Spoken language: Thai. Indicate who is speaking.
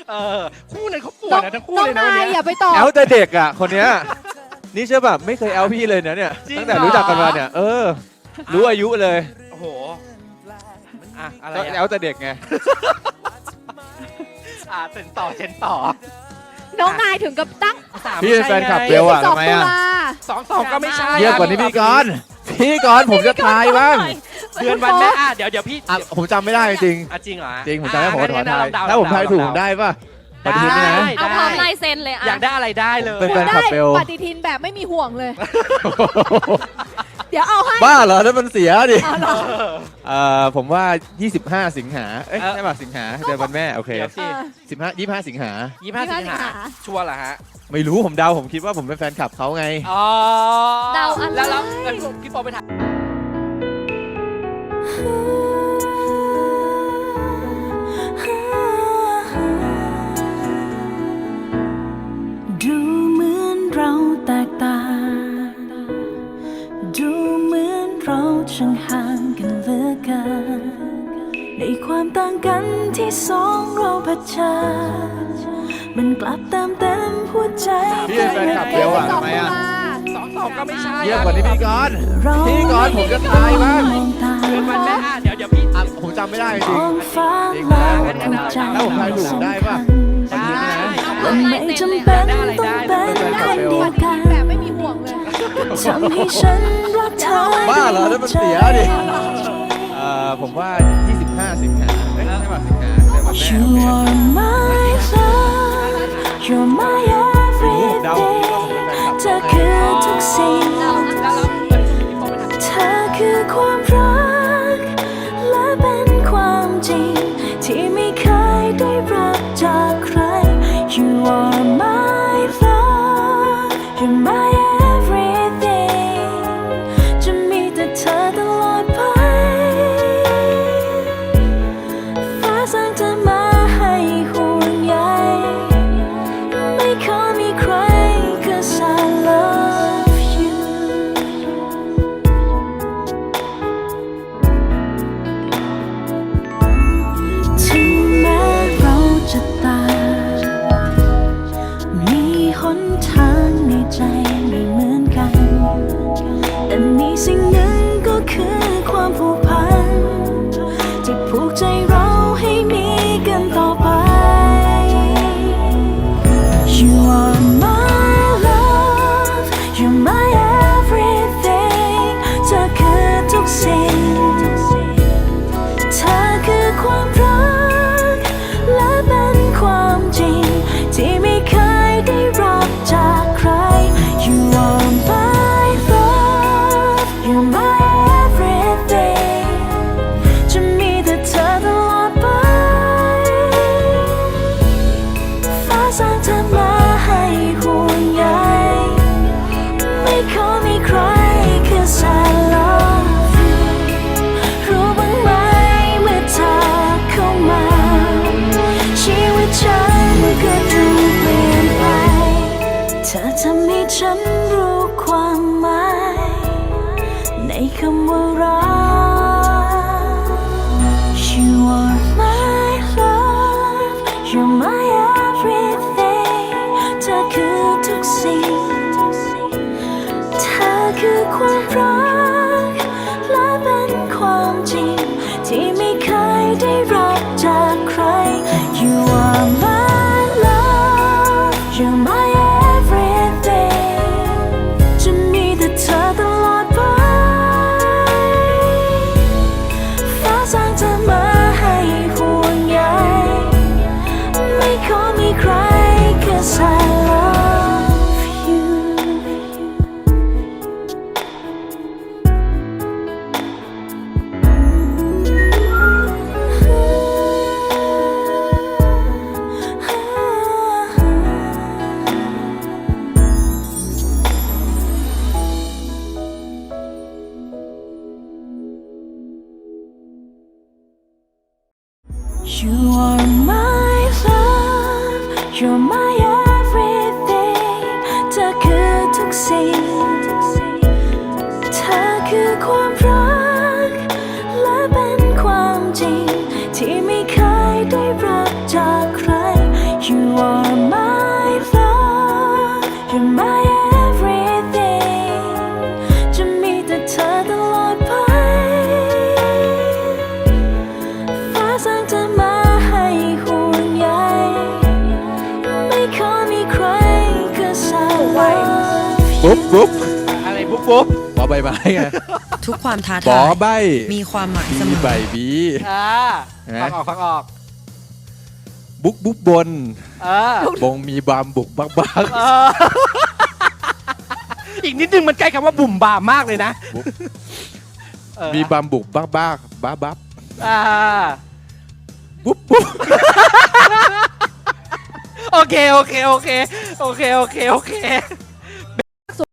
Speaker 1: คู่นั้นเขาป่วยนะทั้งคู่เลยนะวันนี้
Speaker 2: อย่าไปต่อ
Speaker 3: แอลแต่เด็กอ่ะคนเนี้ยนี่เชื่อแบบไม่เคยแอลพี่เลยนะเนี่ยตั้งแต่รู้จักกันมาเนี่ยรู้อายุเลย
Speaker 1: โอ้โหอะไร
Speaker 3: ก็แอลแต่เด็กไง
Speaker 1: เซ็นต่อ
Speaker 2: น้องนายถึงกับตั้ง
Speaker 3: พี่เป็นแฟนคลับเบลอะทำไมอะ
Speaker 1: 22ก็ไม่ใช่
Speaker 3: เยอะกว่านี้พี่กรณ์ผมจะทายบ้าง
Speaker 1: เดือนวันแม่เดี๋ยวพี่
Speaker 3: ผมจำไม่ได้จริง
Speaker 1: จริงเหรอ
Speaker 3: จริงผมจำได้ผมขอทายถ้าผมทายถูกได้ป่ะปฏิทินนะ
Speaker 4: เอาพร้อมลายเซ็นเลย
Speaker 1: อยากได้อะไรได้เลย
Speaker 3: เป็นแฟนคลับเบล
Speaker 2: ปฏิทินแบบไม่มีห่วงเลยเดี๋ยวเอาให้
Speaker 3: บ้าเหรอถ้ามันเสียดิผมว่า25 สิงหาใช่ป่ะสิงหาเดือนวันแม่โอเค25 สิงหา
Speaker 1: ชัวร์เหรอฮะ
Speaker 3: ไม่รู้ผมเดาผมคิดว่าผมเป็นแฟนคลับเขาไง
Speaker 4: เดาอัน
Speaker 1: แล้วพี่ปอไปถาม
Speaker 5: ดูเหมือนเราแตกต่างดูเหมือนเราช่างห่างกันเหลือเกินในความต่างกันที่สองเราเผชิญมันกลับเติมเต็มหัวใจ
Speaker 3: พี่เป็นแฟนคลับเบลอะทำไมอะ
Speaker 1: 22ก็ไม่ใช่
Speaker 3: เยอะกว่านี้พี่กรณ์ผมจะทายบ้าง
Speaker 1: เดือนวันแม่เดี๋ยวพี่
Speaker 3: ผมจำไม่ได้จริงถ้าผมทายถูกได้ป่ะ
Speaker 5: ไม่จำเป็นต้องเป็นคนเดียวกัน
Speaker 2: แบบไม่มีห่วงเลย
Speaker 5: ทำให้ฉันรักเธอ
Speaker 3: บ้าเหรอถ้ามันเสียดิผมว่า25 สิงหาใช่ป่ะสิงหาเดือนวันแม่
Speaker 5: You are my love You're my everything เธอคือทุกสิ่งเธอคือความรักและเป็นความจริงที่ไม่เคยได้รับจากใคร You are my love You're my everything จะมีแต่เธอตลอดไปฟ้าสร้างเธอมาให้ห่วงใยไม่ขอมีใคร 'cause I love you ถึงแม้เราจะต่างมีหนทางในใจไม่เหมือนกันแต่มีสิ่งหนึ่งก็คือความผูกพันที่ผูกใจเราให้มีกันต่อไป You are my love You're my everything เธอคือทุกสิ่งเธอคือความรักและเป็นความจริงที่ไม่เคยได้รับจากใคร You are my love You're my everything จะมีแต่เธอตลอดไปฟ้าสร้างเธอมาให้ห่วงใยไม่ขอมีใคร 'cause I love you รู้บ้างไหมเมื่อเธอเข้ามาชีวิตฉันก็ดูเปลี่ยนไปเธอทำให้ฉันรู้ความหมายในคำว่ารัก You are my love You're my everything เธอคือทุกสิ่งเธอคือความรักและเป็นความจริงที่ไม่เคยได้รับจากใคร You are my love You're my everything จะมีแต่เธอตลอดไปฟ้าสร้างเธอมาให้ห่วงใยไม่ขอมีใคร 'cause I love you You are my love You're my everything จะมีแต่เธอตลอดไปฟ้าสร้างเธอมาให้ห่วงใยไม่ขอมีใคร 'cause I love
Speaker 3: ปุ๊บปุ๊บ
Speaker 1: อะไรปุ๊บปุ๊บบ
Speaker 3: อใบไม้ไง
Speaker 6: ทุกความท้า
Speaker 3: บ
Speaker 6: ทา
Speaker 3: อย ใบ
Speaker 6: มีความหมายเส
Speaker 3: บี
Speaker 6: มอ
Speaker 3: ใบบี
Speaker 1: ฟังออกฟังออก
Speaker 3: บุ๊กบุ๊กบน บงมีบามบุกบักบัก
Speaker 1: อีกนิดนึงมันใกล้คำว่าบุ่มบามมากเลยนะ
Speaker 3: มีบามบุกบักบักบ้าบับ
Speaker 1: อ่า
Speaker 3: ปุ๊บปุ๊บ
Speaker 1: โอเคโอเคโอเคโอเคโอเคโอเค